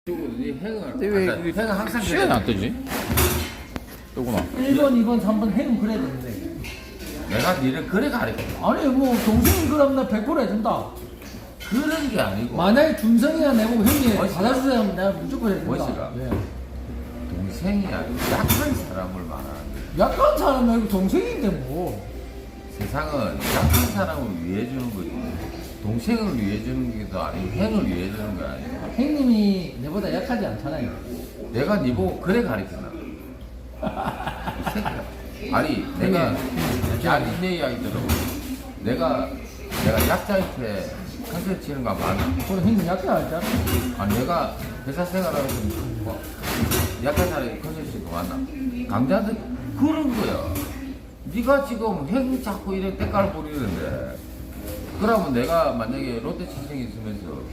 왜 횡은 항상 시간이 안 뜨지? 뜨구나. 1번, 2번, 3번 해는 그래야 되는데. 내가 니를 그래 가르쳐. 아니, 뭐, 동생이 그러면 나 100% 해준다. 그런 게 아니고. 만약에 준성이가 내보고 형님 멋있다. 받아주세요 하면 내가 무조건 해준다. 멋있다. 예. 동생이 아니고 약한 사람을 말하는 거야. 약간 사람 말고 동생인데 뭐. 세상은 약한 사람을 위해 주는 거지. 동생을 위해 주는 게 더 아니고 횡을 위해 주는 거 아니야. 형님이 내보다 약하지 않잖아요. 내가 니 보고 그래 가르쳤나? 이 새끼야. 아니 내가 내 이야기 들어. 내가 약자한테 컨셉 치는 거 맞나? 그럼 형님 약해 알잖아. 아 내가 회사 생활하면서 뭐 약한 사람이 컨셉 치는 거 맞나? 강자들 그런 거야. 네가 지금 행 자꾸 이런 때깔 부리는데 그러면 내가 만약에 롯데 친생이 있으면서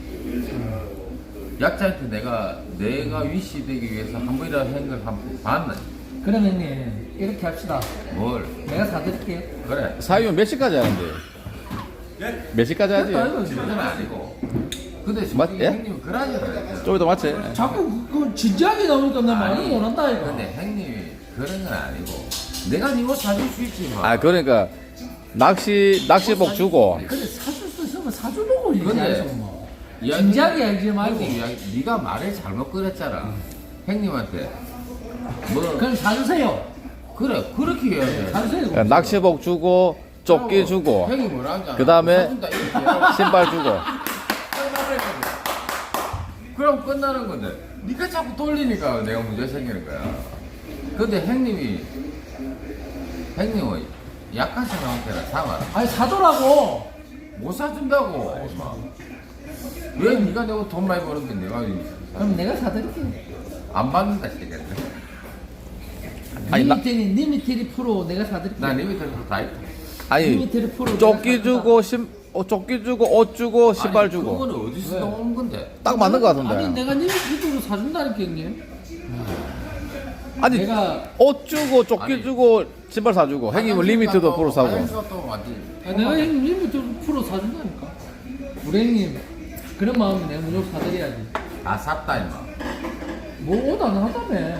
약자한테 내가 위시 되기 위해서 한 번이라도 행을 한번 봤나? 그럼 형님 이렇게 합시다. 뭘? 내가 사드릴게요. 그래. 사위면 몇 시까지 하는데? 몇 시까지 하지? 그것도 아니고 그건 아니고. 근데 맞- 솔직히 예? 형님은 그러잖아요. 좀 이따 맞지? 자꾸 그 진지하게 나오니까 나 많이 원한다 이거. 근데 형님이 그런 건 아니고 내가 니 옷 사줄 수 있지만. 아, 그러니까 낚시복 주고. 근데 사줄 수 있으면 사주려고 근데 얘기하죠 뭐. 이야기- 진지하게 알지 말고. 형님 이야기, 네가 말을 잘못 꺼냈잖아. 형님한테 뭐 그럼 사주세요. 그래 그렇게 해야 돼. 사주세요. 그러니까 낚시복 주고, 조끼 주고, 형이 뭐라 하잖아. 그 다음에 사준다, 이렇게 해야 신발 주고. 그럼 끝나는 건데 네가 자꾸 돌리니까 내가 문제 생기는 거야. 근데 형님은 약한 사람한테는 사면 아니 사더라고. 못 사준다고. 왜 네가 내고 돈 많이 버는데 내가 그럼 내가 사드릴게. 안 받는다 시겠네. 아니, 나- 니미테리 프로 내가 사드릴게. 난 이미 들어서 다 있다. 아니, 리미테드 프로 조끼 내가 주고, 조끼 주고, 옷 주고, 신발 아니, 주고. 그거는 어디서 왜? 나온 건데? 딱 맞는 거 아니 같은데. 내가 니미테리로 사준다니까 형님. 아니, 내가 옷 주고, 조끼 아니. 주고, 신발 사주고. 형님은 리미트도 프로 사고. 또 완전 내가 형님 니미테리 프로 사준다니까. 우리 형님 그런 마음이 내가 무조건 사드려야지. 다 샀다 임마. 뭐 옷 안 하다며.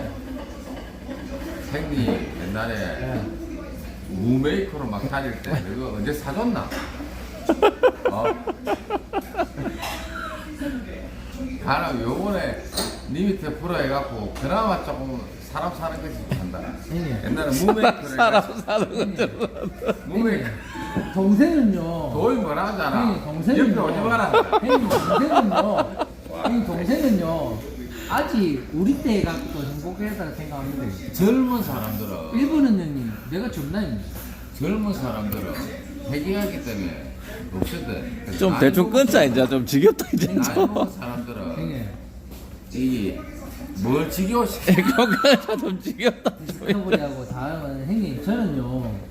형님 옛날에 예. 무메이커로 막 다닐 때 그거 언제 사줬나? 어? 가라 요번에 니 밑에 프로 해갖고 그나마 조금 사람 사는 것이 한다. 형님 옛날에 무메이커를 사람 해가지고 사는 것들. 무메이커 동생은요. 도이 뭐라 하잖아. 형님 동생은요. 옆에 오지 마라. 형님 동생은요. 형님 동생은요. 아직 우리 때 갖고도 행복하다고 생각하는데 젊은 사람들은 일본은 형님 내가 존나입니다. 젊은 사람들은 해결하기 때문에 없거든. 좀 대충 끊자, 이제. 좀 지겹다, 이제. 나이 먹은 사람들은 형님 이뭘 지겨워 시켜. 그러니까 좀 지겹다. 디스커버리하고 다음은 형님 저는요